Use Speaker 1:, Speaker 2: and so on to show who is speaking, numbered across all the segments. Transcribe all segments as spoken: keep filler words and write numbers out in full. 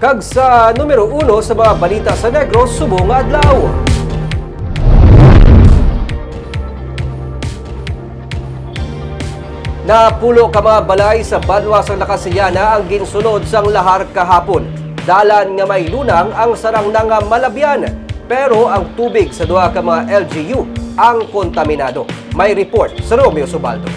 Speaker 1: Kag sa numero uno sa mga balita sa Negros subong nga adlaw. Napulo ka mga balay sa Banwa sang Nakasiliana ang ginsunod sang lahar kahapon. Dalan nga may lunang ang sarang na nga malabyan. Pero ang tubig sa duha ka mga L G U ang kontaminado. May report sa Romeo Subaldo.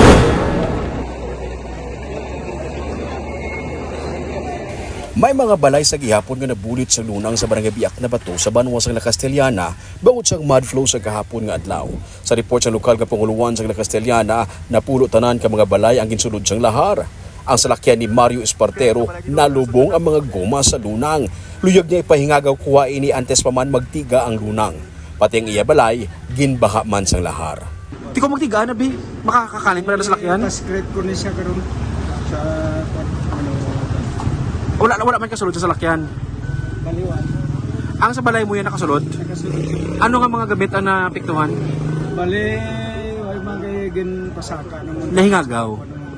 Speaker 2: May mga balay sa gihapon nga nabulit sa lunang sa barangay Biak na Bato sa Banwa sang La Castellana bangod sang mud flow sa kahapon nga adlaw. Sa report sa lokal nga panguluan sang La Castellana, napulo tanan ka mga balay ang ginsulod sang lahar. Ang salakyan ni Mario Espartero nalubong ang mga goma sa lunang. Luyag niya ipahingagaw kuha ini antes pa man magtiga ang lunang. Pati ang iya balay, ginbaha man sang lahar.
Speaker 3: Di ko magtiga na, Bi. Makakakalit pa na sa lakyan.
Speaker 4: Mas-create ko ni siya karon sa ano,
Speaker 3: Wala, wala man kasulod sa salakyan.
Speaker 4: baliwan.
Speaker 3: Ang sa balay mo yan nakasulod,
Speaker 4: Nakasunod.
Speaker 3: ano nga mga gamit ang napiktuhan?
Speaker 4: Bali, ay magiging pasaka naman.
Speaker 3: Nahingagaw.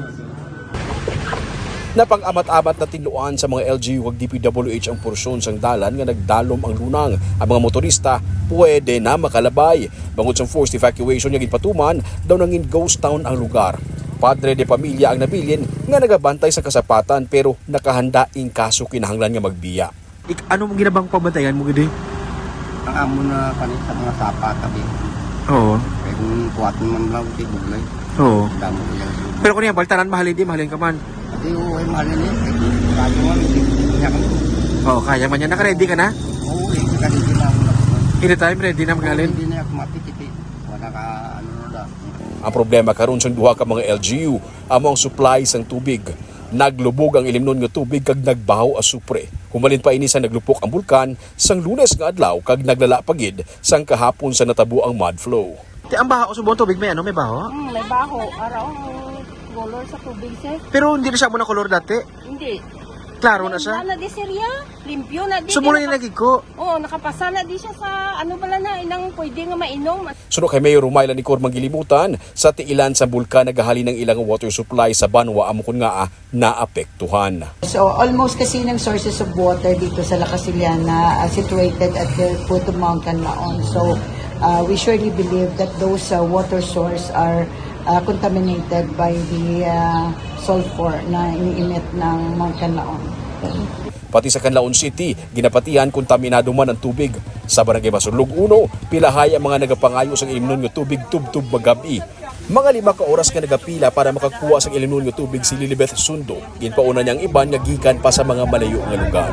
Speaker 2: Napang-amat-amat na tinuan sa mga L G U ug D P W H ang porsyon sang dalan nga nagdalom ang lunang. Ang mga motorista pwede na makalabay. Bangod sa forced evacuation nga ginpatuman, daw nangin ghost town ang lugar. Padre de pamilya ang nabilin nga nagabantay sa kasapatan pero nakahanda in kaso kinahanglan nga magbiya.
Speaker 3: Ik, ano mong ginabang pabantayan mo gidi?
Speaker 5: Ang amo na kanit sa mga sapa tabi.
Speaker 3: Oo.
Speaker 5: Kaya kung kuwat naman lang, di buglay.
Speaker 3: Oo.
Speaker 5: Damo ko lang.
Speaker 3: Pero kung yan, baltanan mahalin di, mahalin ka man.
Speaker 5: Ati oo, ay mahal yun. Kaya mo, hindi niya kami.
Speaker 3: Oo, kaya man yan. Naka-ready ka na?
Speaker 5: Oo, eh, kasi hindi na ako nakasal.
Speaker 3: Anytime, ready na magalin?
Speaker 5: Hindi na ako matitipi. Wala ka, ano na lang.
Speaker 2: Ang problema karon sa duha ka mga L G U amo ang supply sang tubig. Naglubog ang ilimnon nga tubig kag nagbahaw a supre. Humalin pa ini sa naglupok ang bulkan sang Lunes nga adlaw kag naglala pagid sang kahapon sa natabo ang mud flow.
Speaker 3: Ti ang baho sa buong tubig may ano, may baho?
Speaker 6: Hmm, may baho. Araw ang color sa tubig, sir.
Speaker 3: Pero hindi na siya muna kolor dati.
Speaker 6: Hindi.
Speaker 3: Klaro na siya.
Speaker 6: Wala na di, sir, ya. Limpyo na di.
Speaker 3: So muna
Speaker 6: Di
Speaker 3: yung
Speaker 6: naka-
Speaker 3: nagig ko.
Speaker 6: Oo, nakapasa na di siya sa ano bala na, inang pwede nga mainom.
Speaker 2: Suno kay Mayor Rumayla ni Cormang gilimutan sa tiilan sa bulkan nagahali ng ilang water supply sa Banwa amo kun nga ah, naapektuhan.
Speaker 7: So almost kasi ng sources of water dito sa La Castellana uh, situated at the foot of Mountain Laon. So uh, we surely believe that those uh, water source are uh, contaminated by the uh, sulfur na iniimit ng Mountain Laon.
Speaker 2: Pati sa Canlaon City, ginapatihan kontaminado man ang tubig. Sa Barangay Masurlog uno, pilahay ang mga nagapangayo sa ilimnon nga tubig tubtub magabi. Mga lima ka oras nga nagapila para makakuha sa ilimnon nga tubig si Lilibeth Sundo. Ginpauna niyang iban nga gikan pa sa mga malayo nga lugar.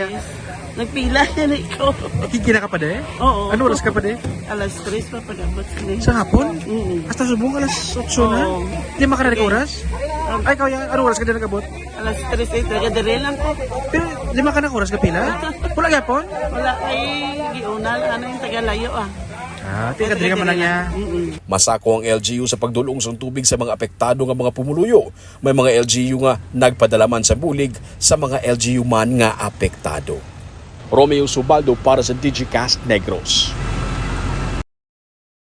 Speaker 8: Nagpila na ikaw.
Speaker 3: Higina ka pa de?
Speaker 8: Oo.
Speaker 3: Ano oras ka pa de?
Speaker 8: Alas tres pa pagabot sila.
Speaker 3: Sa hapon?
Speaker 8: Mm.
Speaker 3: Hasta subong alas otso na?
Speaker 8: Oo.
Speaker 3: Di makaranig ka oras? Ay, ikaw yan. Ano oras ka din nagabot?
Speaker 8: Alas tres ay taga-dire lang ko.
Speaker 3: Pero lima ka na oras ka pila? Wala yapon?
Speaker 8: Wala ay giunal. Ano yung taga-layo ah.
Speaker 3: Ah, tika ka man lang niya.
Speaker 8: Mm-mm.
Speaker 2: Masako ang L G U sa pagdulong sa tubig sa mga apektado nga mga pumuluyo. May mga L G U nga nagpadalaman sa bulig sa mga L G U man nga apektado. Romeo Subaldo para sa Digicast Negros.